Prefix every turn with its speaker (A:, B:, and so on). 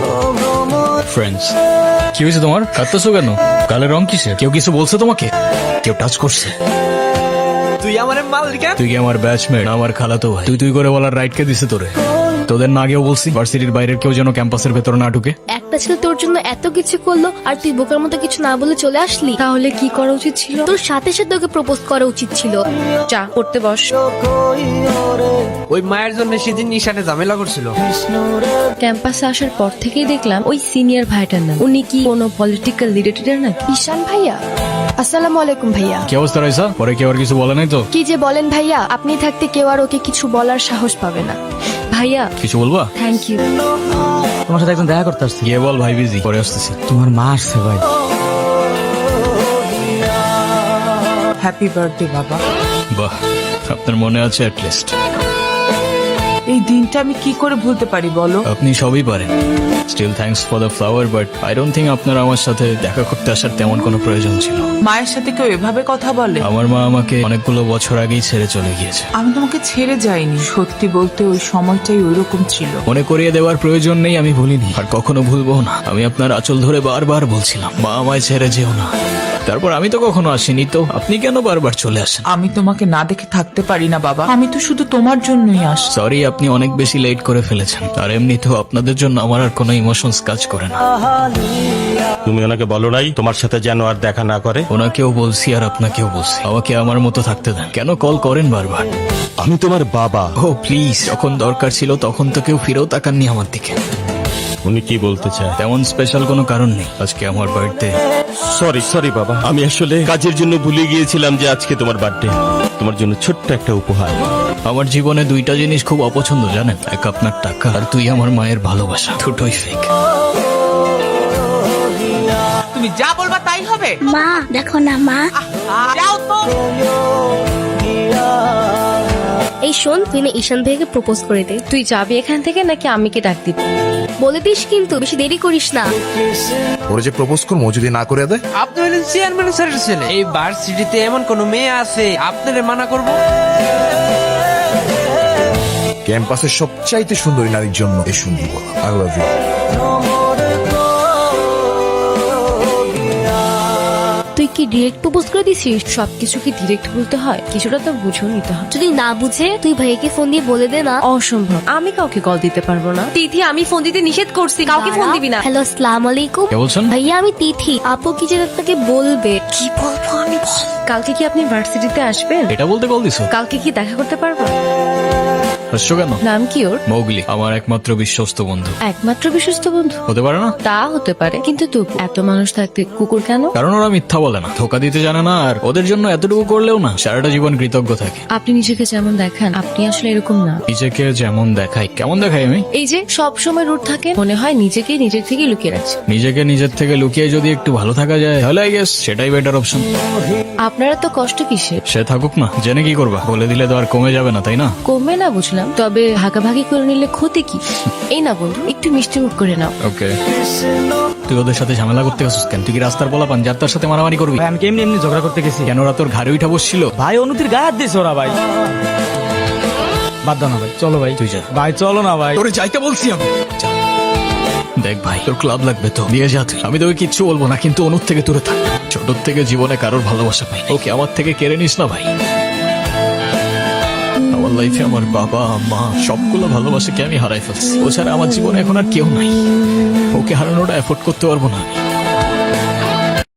A: Friends, কি হয়েছে তোমার? কাঁদতেছো কেন? গালের রং কিসের? কেউ কিছু বলছে তোমাকে? কেউ টাচ করছে?
B: তুই আমার মালিক।
A: তুই কি আমার ব্যাচমেট? আমার খালাতো ভাই। তুই করে বলার রাইট কে দিছে তোরে? তোদের না আগেও বলছি ভার্সিটির বাইরের কেউ যেন ক্যাম্পাসের ভেতর না ঢুকে।
C: একটা ছেলে তোর জন্য এত কিছু করলো আর তুই বোকার মতো কিছু না বলে চলে আসলি।
D: তাহলে কি করা উচিত ছিল?
C: তোর সাথে সাথে ওকে প্রপোজ করা উচিত ছিল।
D: চা করতে বস।
B: ওই মায়ের জন্য সেদিন নিশানে ঝামেলা করছিল।
D: ক্যাম্পাসে আসার পর থেকেই দেখলাম ওই সিনিয়র ভাইটার নাম। উনি কি কোনো পলিটিক্যাল লিডারের নাকি?
E: ঈশান ভাইয়া, আসসালামু আলাইকুম ভাইয়া।
A: কি অবস্থা রাইসা? পরে কেউ আর কিছু বলে নাই তো?
E: কি যে বলেন ভাইয়া, আপনি থাকতে কেউ আর ওকে কিছু বলার সাহস পাবে না।
D: ভাইয়া
A: কিছু বলবা?
D: Thank you.
F: তোমার সাথে একজন দেখা করতে আসছি।
A: গিয়ে বল ভাই বিজি, পরে আসতেছি।
F: তোমার মা আসছে ভাই।
G: হ্যাপি বার্থডে বাবা।
A: বাহ, আপনার মনে আছে অ্যাটলিস্ট।
G: এই দিনটা আমি কি করে ভুলতে পারি বলো?
A: আপনি সবই পারেন। Still thanks for the flower, but I don't think আপনার আমার সাথে দেখা করতে আসার তেমন কোনো প্রয়োজন ছিল।
G: মায়ের সাথে কেউ এভাবে কথা বলে?
A: আমার মা আমাকে অনেকগুলো বছর আগেই ছেড়ে চলে গিয়েছে।
G: আমি তোমাকে ছেড়ে যাইনি, সত্যি বলতে ওই সময়টাই ওইরকম ছিল।
A: মনে করিয়ে দেওয়ার প্রয়োজন নেই, আমি ভুলিনি আর কখনো ভুলবো না। আমি আপনার আঁচল ধরে বারবার বলছিলাম, মা আমায় ছেড়ে যেও না। তারপর আমি তো কখনো আসিনি, তো আপনি কেন বারবার চলে আসেন?
G: আমি তোমাকে না দেখে থাকতে পারি না বাবা, আমি তো শুধু তোমার জন্যই আসি।
A: সরি, আপনি অনেক বেশি লেট করে ফেলেছেন। আর এমনিতেও আপনাদের জন্য আমার আর কোনো ইমোশনস কাজ করে না।
H: তুমি ওনাকে বলো নাই তোমার সাথে যেন আর দেখা না করে?
A: ওনাকেও বলছি আর আপনাকেও বলছি, আমাকে আমার মতো থাকতে দেন। কেন কল করেন বারবার?
H: আমি তোমার বাবা।
A: ও প্লিজ, যখন দরকার ছিল তখন তো কেউ ফিরেও তাকাননি আমার দিকে।
H: উনি কি বলতে চায়?
A: তেমন স্পেশাল কোনো কারণ নেই, আজকে আমার বার্থডে।
H: সরি বাবা, আমি আসলে কাজের জন্য ভুলে গিয়েছিলাম যে আজকে তোমার বার্থডে। তোমার জন্য ছোট্ট একটা উপহার।
A: আমার জীবনে দুইটা জিনিস খুব অপছন্দ জানেন, এক আপনার টাকা আর তুই আমার মায়ের ভালোবাসা। দুটোই ফেক।
G: তুমি যা বলবা তাই হবে।
C: মা দেখো না মা।
G: যাও তো।
C: এই শোন, তুই না ঈশান ভাইকে প্রপোজ করে দে।
D: তুই যাবি এখান থেকে নাকি আমি কি ডাক দিব?
C: বলে দিস কিন্তু, বেশি দেরি করিস না।
I: ওরা যে প্রপোজ করবো যদি না করে দেয়?
B: আপনি হলেন চেয়ারম্যান স্যারের ছেলে। এই ভার্সিটিতে এমন কোন মেয়ে আছে আপনারে মানা করব?
I: ক্যাম্পাসের সবচাইতে সুন্দরী নারীর জন্য এই সুন্দর বলা, আই লাভ ইউ।
D: তুই কি ডিরেক্ট প্রপোজ করে দিছিস? সবকিছু কি ডিরেক্ট বলতে হয়? কিছুটা তো বুঝেও নিতে হয়।
C: যদি না বুঝে তুই ভাইকে ফোন দিয়ে বলে দে না।
D: অসম্ভব, আমি কাউকে কল দিতে পারবো না। তিথি, আমি ফোন দিতে নিষেধ করছি, কাউকে ফোন দিবি না।
C: হ্যালো, আসসালামু আলাইকুম।
A: কে বলছেন?
C: ভাইয়া আমি তিথি। আপু কি যেন আপনাকে বলবে।
D: কি বলবো আমি? কালকে কি আপনি ভার্সিটিতে আসবেন?
A: এটা বলতে কল দিছো?
D: কালকে কি দেখা করতে পারবো?
A: হাসছো কেন?
D: নাম কি ওর?
A: মৌগলি, আমার একমাত্র বিশ্বস্ত বন্ধু।
D: একমাত্র বিশ্বস্ত বন্ধু
A: হতে পারে না?
D: তা হতে পারে, কিন্তু তবু এত মানুষ থাকতে কুকুর কেন?
A: কারণ ওরা মিথ্যা বলে না, ধোকা দিতে জানে না, আর ওদের জন্য এতটুকু করলেও না সারাটা জীবন কৃতজ্ঞ থাকে।
D: আপনি নিজেকে যেমন দেখান, আপনি আসলে এরকম না।
A: নিজেকে যেমন দেখাই? কেমন দেখাই আমি?
D: এই যে সব সময় রুট থাকে, মনে হয় নিজেকে নিজের থেকে লুকিয়ে রাখছে।
A: নিজেকে নিজের থেকে লুকিয়ে যদি একটু ভালো থাকা যায় তাহলে আই গেস সেটাই বেটার অপশন।
D: আপনারা তো কষ্ট কিসের?
A: সে থাকুক না, জেনে কি করবা? বলে দিলে তো আর কমে যাবে না, তাই না?
D: কমবে না বুঝলাম, তবে ভাগাভাগি করে নিলে ক্ষতি কি? এই না বন্ধু, একটু মিষ্টি মুখ করে নাও।
A: ওকে, তুই ওদের সাথে ঝামেলা করতে গেছিস কেন? তুই কি রাস্তার বলা পান যার তার সাথে মারামারি করবি?
F: ভাই আমি কেমনি এমনি ঝগড়া করতে গেছি।
A: কেন ওরা তোর ঘাড়ে উঠা বসছিল?
F: ভাই অনুতির গায়ে হাত দিয়েছে ওরা ভাই। বাদ দাও না ভাই, চলো ভাই।
A: তুই যা
F: ভাই চলো না ভাই।
A: তোরে যাইতে বলছি আমি। যা। দেখ ভাই, তোর ক্লাব লাগবে তো দিয়ে যা তুই। আমি তোকে কিচ্ছু বলবো না, কিন্তু অনুর থেকে দূরে থাক। ছোট থেকে জীবনে কারোর ভালোবাসা পাই, ওকে আমার থেকে কেড়ে নিস না ভাই। আমার লাইফে আমার বাবা মা সবগুলো ভালোবাসাকে আমি হারাই ফেলছি। ও ছাড়া আমার জীবনে এখন আর কেউ নাই। ওকে হারানোটা এফোর্ড করতে পারবো না আমি।